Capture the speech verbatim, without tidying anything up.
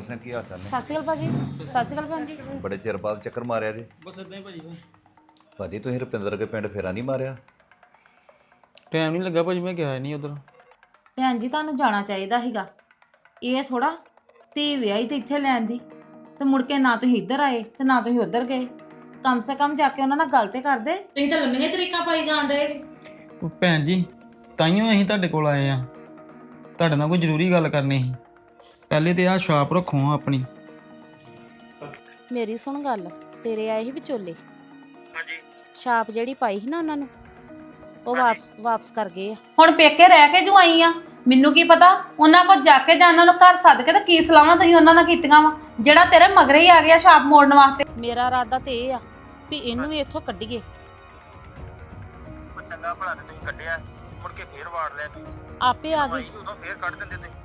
ਸਿੰਘ ਕੀ ਹਾਲ ਚਾਲ ਨੇ? ਸਤਿ ਸ਼੍ਰੀ ਅਕਾਲ ਭਾਜੀ। ਸਤਿ ਸ਼੍ਰੀ ਅਕਾਲ ਭੈਣ ਜੀ। ਬੜੇ ਚਿਰ ਬਾਅਦ ਚੱਕਰ ਮਾਰਿਆ ਜੀ। ਬਸ ਇਦਾਂ ਹੀ ਭਾਜੀ। ਭਾਜੀ ਤੁਸੀਂ ਰੁਪਿੰਦਰ ਦੇ ਪਿੰਡ ਫੇਰਾ ਨਹੀਂ ਮਾਰਿਆ? ਟਾਈਮ ਨਹੀਂ ਲੱਗਾ ਭਾਜੀ, ਮੈਂ ਗਿਆ ਨਹੀਂ ਉਧਰ। ਭੈਣ ਜੀ ਤੁਹਾਨੂੰ ਜਾਣਾ ਚਾਹੀਦਾ ਸੀਗਾ। ਇਹ ਥੋੜਾ ਧੀ ਵਿਆਹੀ ਤੇ ਇੱਥੇ ਲੈਣ ਦੀ ਤੇ ਮੁੜ ਕੇ ਨਾ ਤੁਸੀਂ ਇੱਧਰ ਆਏ ਤੇ ਨਾ ਤੁਸੀਂ ਉੱਧਰ ਗਏ। ਕਮ ਸੇ ਕਮ ਜਾ ਕੇ ਉਹਨਾਂ ਨਾਲ ਗੱਲ ਤੇ ਕਰਦੇ। ਤੁਸੀਂ ਤਾਂ ਲੰਮੀਆਂ ਤਰੀਕਾਂ ਪਾਈ ਜਾਣ ਡਏ। ਉਹ ਭੈਣ ਜੀ ਤਾਈਓ ਅਸੀਂ ਤੁਹਾਡੇ ਕੋਲ ਆਏ ਆ, ਤੁਹਾਡੇ ਨਾਲ ਕੋਈ ਜ਼ਰੂਰੀ ਗੱਲ ਕਰਨੀ ਸੀ। ਪਹਿਲੇ ਤੇ ਆਹ ਸ਼ਾਪ ਰੱਖੋ ਆਪਣੀ। ਮੇਰੀ ਸੁਣ ਗੱਲ, ਤੇਰੇ ਆਏ ਸੀ ਵਿਚੋਲੇ। ਹਾਂਜੀ ਛਾਪ ਜਿਹੜੀ ਪਾਈ ਸੀ ਨਾ ਉਹਨਾਂ ਨੂੰ, ਉਹ ਵਾਪਸ ਵਾਪਸ ਕਰ ਗਏ ਆ। ਹੁਣ ਪੇਕੇ ਰਹਿ ਕੇ ਜੂ ਆਈ ਆ, ਮੈਨੂੰ ਕੀ ਪਤਾ ਉਹਨਾਂ ਕੋਲ ਜਾ ਕੇ ਜਾਂ ਉਹਨਾਂ ਨੂੰ ਘਰ ਸੱਦ ਕੇ ਤੇ ਕੀ ਸਲਾਹਾਂ ਤੁਸੀਂ ਉਹਨਾਂ ਨਾਲ ਕੀਤੀਆਂ ਵਾ ਜਿਹੜਾ ਤੇਰੇ ਮਗਰੇ ਹੀ ਆ ਗਿਆ ਛਾਪ ਮੋੜਨ ਵਾਸਤੇ। ਮੇਰਾ ਇਰਾਦਾ ਤੇ ਇਹ ਆ ਵੀ ਇਹਨੂੰ ਵੀ ਇੱਥੋਂ ਕੱਢੀਏ। ਉਹ ਚੰਗਾ ਭਲਾ ਤੇ ਤੁਸੀਂ ਕੱਢਿਆ, ਮੁੜ ਕੇ ਫੇਰ ਵਾੜ ਲਿਆ ਤੁਸੀਂ। ਆਪੇ ਆ ਗਏ। ਉਦੋਂ ਫੇਰ ਕੱਢ ਦਿੰਦੇ ਤੁਸੀਂ।